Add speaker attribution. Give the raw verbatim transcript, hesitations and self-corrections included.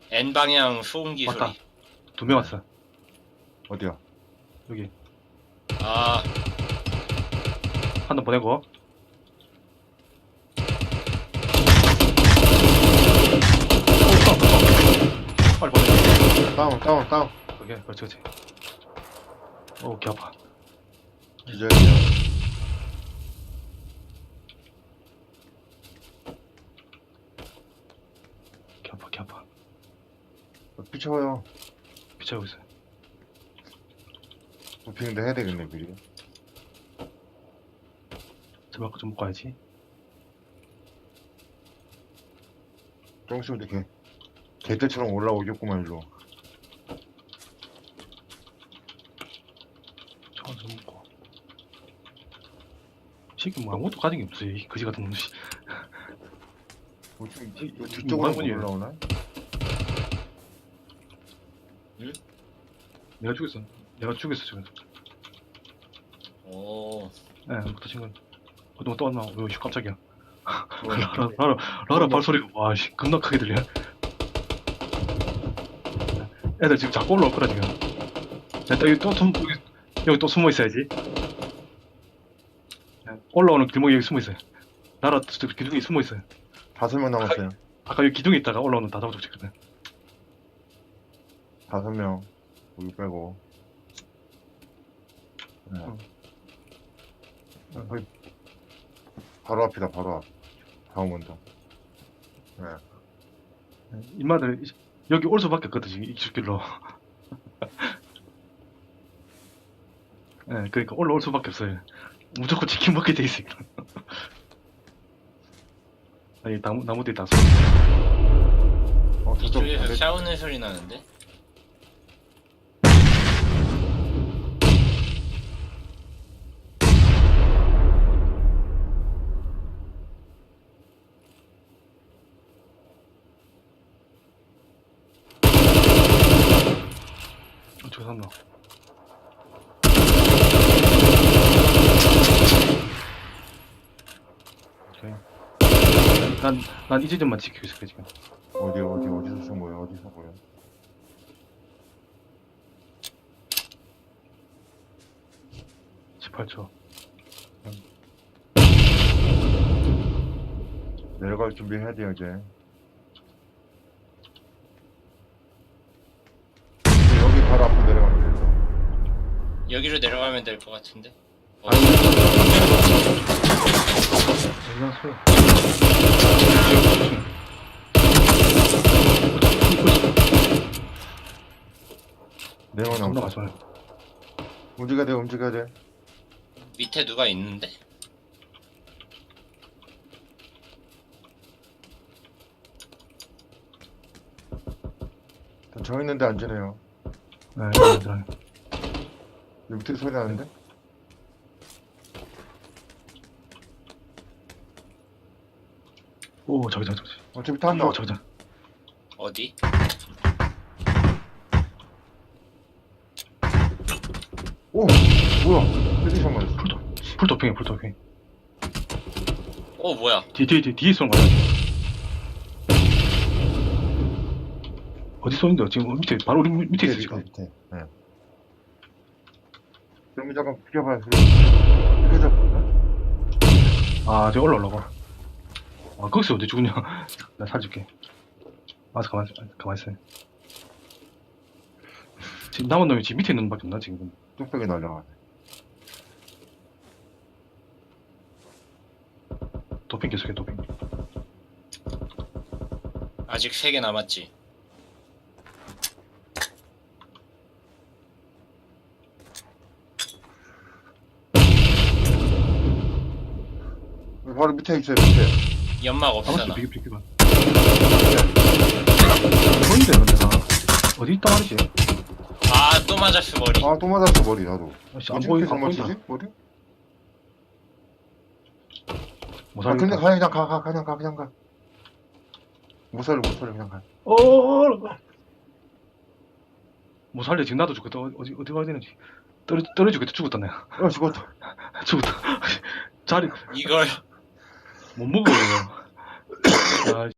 Speaker 1: N방향 소음기
Speaker 2: 왔다.
Speaker 1: 소리.
Speaker 2: 두 명 왔어.
Speaker 3: 어디야?
Speaker 2: 여기.
Speaker 1: 아,
Speaker 2: 한 번 보내고. 빨리 보내.
Speaker 3: 다운 다운 다운.
Speaker 2: 오케이, 그렇지, 그렇지. 오, 개 아파.
Speaker 3: 기절이야.
Speaker 2: 개 아파, 개 아파.
Speaker 3: 비춰요.
Speaker 2: 비차고 있어요.
Speaker 3: 도핑도 해야 되겠네 미리.
Speaker 2: 제발 좀 먹고 가야지.
Speaker 3: 조금씩 이렇게 개들처럼 올라오겠구만 일로.
Speaker 2: 저건 좀 먹고. 새끼 뭐 아무것도 가진 게 없어, 이 거지 같은 놈. 씨.
Speaker 3: 뭐 좀,
Speaker 2: 이-
Speaker 3: 뭐
Speaker 2: 이
Speaker 3: 뒤쪽으로
Speaker 2: 뭐야,
Speaker 3: 올라오나?
Speaker 2: 내가 죽였어. 내가 죽였어, 지금.
Speaker 1: 오,
Speaker 2: 예, 부터 친구. 어떤 또 왔나? 왜, 씨, 깜짝이야.
Speaker 3: 뭐,
Speaker 2: 라라, 라라, 라라 발소리가, 와, 씨, 겁나 크게 들려. 애들 지금 자꾸 올라올 거라, 지금. 야, 또 여기 또 숨, 여기, 여기 또 숨어 있어야지. 야, 올라오는 길목에 여기 숨어 있어요. 나라, 저 기둥에 숨어 있어요.
Speaker 3: 다섯 명 남았어요.
Speaker 2: 아까 여기 기둥에 있다가 올라오는 다 잡아주고 있거든.
Speaker 3: 다섯 명. 우리 빼고. 네.
Speaker 2: 응.
Speaker 3: 어, 거의 바로 앞이다 바로 앞. 다음 온다. 네.
Speaker 2: 인마들, 여기 올 수밖에 없거든, 지금, 이쪽 길로. 예, 그러니까 올라올 수밖에 없어요. 무조건 치킨 먹게 돼 있어. 아니, 나무, 나무 뒤에 다 쏘.
Speaker 3: 어 저쪽
Speaker 1: 이쪽에서
Speaker 3: 반대-
Speaker 1: 싸우는 소리 나는데?
Speaker 2: 어떻게 샀나? 오케이. 난, 난 이 지점만 지키고 있을게, 지금.
Speaker 3: 어디 어디 어디서 쏜 거야 어디서 쏜 거야?
Speaker 2: 십팔 초.
Speaker 3: 내려갈 준비해야 돼요 이제. 이제 여기 바로 앞으로 내려가면 돼요.
Speaker 1: 여기로 내려가면 될 것 같은데? 어,
Speaker 2: 여기가 소리.
Speaker 3: 네명
Speaker 2: 겁나
Speaker 3: 남았어.
Speaker 2: 가져와요.
Speaker 3: 움직여야 돼 움직여야 돼.
Speaker 1: 밑에 누가 있는데?
Speaker 3: 저 있는데 앉으네요.
Speaker 2: 네, 맞아요.
Speaker 3: 여기 밑에 소리 나는데?
Speaker 2: 오, 저기, 저기, 저기.
Speaker 3: 어차피 탄다.
Speaker 2: 오, 저기, 저기.
Speaker 1: 어디?
Speaker 3: 오 뭐야? 헤드샷 맞았어.
Speaker 2: 풀도, 풀도핑해, 풀도핑.
Speaker 1: 어, 뭐야?
Speaker 2: 뒤, 뒤, 뒤, 뒤에 쏘는 거야. 어디 쏘는데? 지금 밑에, 바로 우리 밑에 있어, 지금.
Speaker 3: 밑에. 네. 그럼 잠깐 비켜봐요. 비켜줘.
Speaker 2: 아, 저기 올라오려고. 아, 거기서 어디 죽냐? 나 살줄게. 와서 가만히, 가만히 있어. 지금 남은 놈이 지금 밑에 있는 놈밖에 없나, 지금.
Speaker 3: 뚝배기 날려가네.
Speaker 2: 도핑 계속해, 도핑.
Speaker 1: 아직 세 개 남았지.
Speaker 3: 바로 밑에 있어요, 밑에.
Speaker 1: 연막
Speaker 2: 아무튼
Speaker 1: 없잖아.
Speaker 2: 비교, 비교가. 뭔데, 근데 나. 어디 있단 말이지?
Speaker 1: 아, 또 맞았어, 머리.
Speaker 3: 아, 또 맞았어, 머리, 나도.
Speaker 2: 아씨, 안
Speaker 3: 어떻게
Speaker 2: 보이,
Speaker 3: 이렇게
Speaker 2: 안 보인다.
Speaker 3: 잘못치지? 머리?
Speaker 2: 못
Speaker 3: 아, 근데
Speaker 2: 살겠다.
Speaker 3: 가, 그냥 가, 가, 그냥 가, 그냥 가. 못 살려, 못 살려, 그냥 가.
Speaker 2: 어어어어. 못 살려, 지금 나도 죽겠다. 어디, 어디 가야 되는지. 떨어, 떨어지겠다, 죽었다, 내가.
Speaker 3: 어, 죽었다.
Speaker 2: 죽었다. 자리,
Speaker 1: 이걸.
Speaker 2: 못 먹어, 이거. 아,